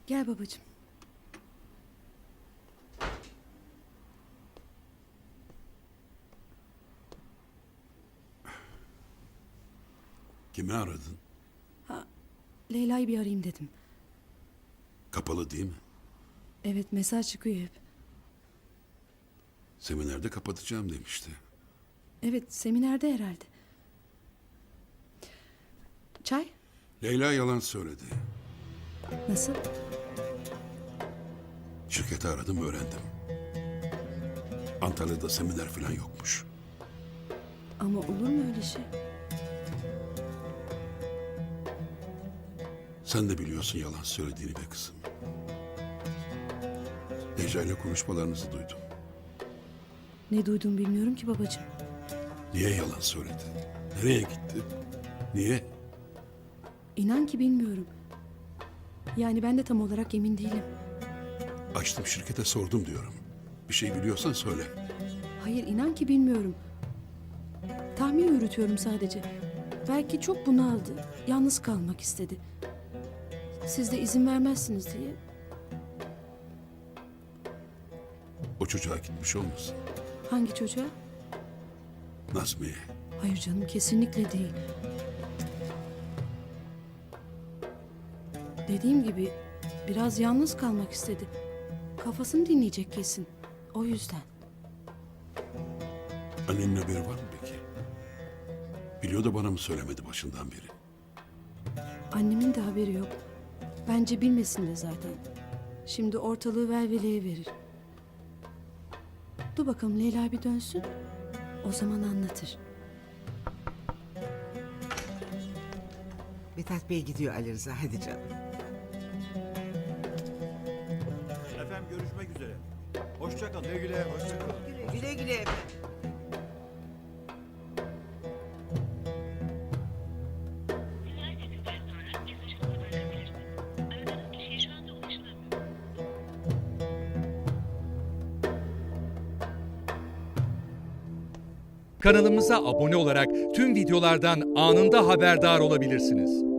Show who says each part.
Speaker 1: Gel babacığım.
Speaker 2: Kimi aradın?
Speaker 1: Leyla'yı bir arayayım dedim.
Speaker 2: Kapalı değil mi?
Speaker 1: Evet, mesaj çıkıyor hep.
Speaker 2: Seminerde kapatacağım demişti.
Speaker 1: Evet, seminerde herhalde. Çay?
Speaker 2: Leyla yalan söyledi.
Speaker 1: Nasıl?
Speaker 2: Şirketi aradım, öğrendim. Antalya'da seminer falan yokmuş.
Speaker 1: Ama olur mu öyle şey?
Speaker 2: Sen de biliyorsun yalan söylediğini be kızım. Necla ile konuşmalarınızı duydum.
Speaker 1: Ne duydum bilmiyorum ki babacığım.
Speaker 2: Niye yalan söyledi? Nereye gitti? Niye?
Speaker 1: İnan ki bilmiyorum. Yani ben de tam olarak emin değilim.
Speaker 2: Açtım şirkete sordum diyorum. Bir şey biliyorsan söyle.
Speaker 1: Hayır, inan ki bilmiyorum. Tahmin yürütüyorum sadece. Belki çok bunaldı. Yalnız kalmak istedi. Siz de izin vermezsiniz diye.
Speaker 2: O çocuğa gitmiş olmasın?
Speaker 1: Hangi çocuğa?
Speaker 2: Nazmiye.
Speaker 1: Hayır canım, kesinlikle değil. Dediğim gibi biraz yalnız kalmak istedi. Kafasını dinleyecek kesin. O yüzden.
Speaker 2: Annenin haberi var mı peki? Biliyor da bana mı söylemedi başından beri?
Speaker 1: Annemin de haberi yok. Bence bilmesin de zaten. Şimdi ortalığı velveleye verir. Dur bakalım Leyla bir dönsün. O zaman anlatır.
Speaker 3: Mithat Bey gidiyor Ali Rıza. Hadi canım.
Speaker 4: Efendim görüşmek üzere. Hoşça kalın. Güle güle, hoşça kalın.
Speaker 3: Güle güle efendim.
Speaker 5: Sesinden sonra mesajınızı bırakabilirsiniz. Aradığınız kişiye şu anda ulaşılamıyor.
Speaker 6: Kanalımıza abone olarak tüm videolardan anında haberdar olabilirsiniz.